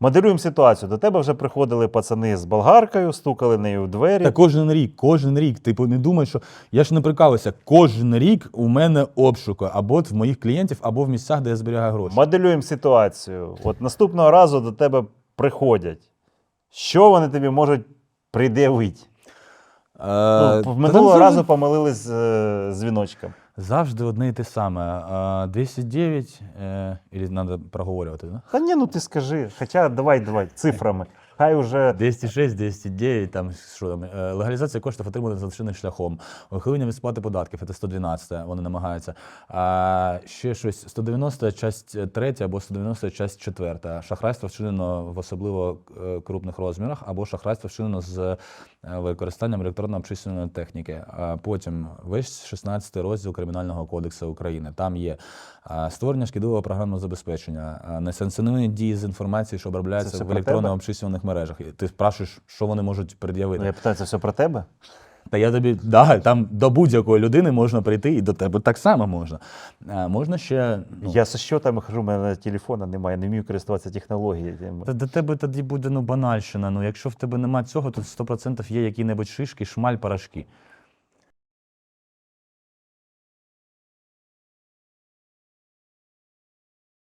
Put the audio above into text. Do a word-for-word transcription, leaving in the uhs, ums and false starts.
Моделюємо ситуацію. До тебе вже приходили пацани з болгаркою, стукали нею в двері. Та кожен рік, кожен рік. Типу, не думай, що я ж не прикалуюся. Кожен рік у мене обшуки або в моїх клієнтів, або в місцях, де я зберігаю гроші. Моделюємо ситуацію. От наступного разу до тебе приходять. Що вони тобі можуть пред'явити? Е, Ну, та минулого там разу завжди, помилились з е, дзвіночком. завжди одне і те саме. Е, двісті дев'ять, е, і треба проговорювати, да? Та ні, ну ти скажи. Хоча давай, давай, цифрами. Хай уже... двісті шість, двісті дев'ять, там, що там, е, легалізація коштів отриманих злочинним шляхом, ухилення від сплати податків, це сто дванадцять, вони намагаються. А ще щось, сто дев'яносто, часть третя або сто дев'яносто, часть четверта. Шахрайство вчинено в особливо е, крупних розмірах, або шахрайство вчинено з е, використанням електронно-обчислювальної техніки. А потім весь шістнадцятий розділ Кримінального кодексу України. Там є е, створення шкідливого програмного забезпечення, е, несанкціоновані дії з інформації, що обробляється все в про електронно-обчислювальних мережах. І ти спрашуєш, що вони можуть пред'явити. Ну, я питаю, це все про тебе? Та я тобі, да, там до будь-якої людини можна прийти, і до тебе так само можна. А, можна ще... Ну, Я зі щотами хожу, у мене телефона немає, не вмію користуватися технологіями. та до тебе тоді буде ну, банальщина. Ну, якщо в тебе немає цього, то сто відсотків є які-небудь шишки, шмаль, порошки.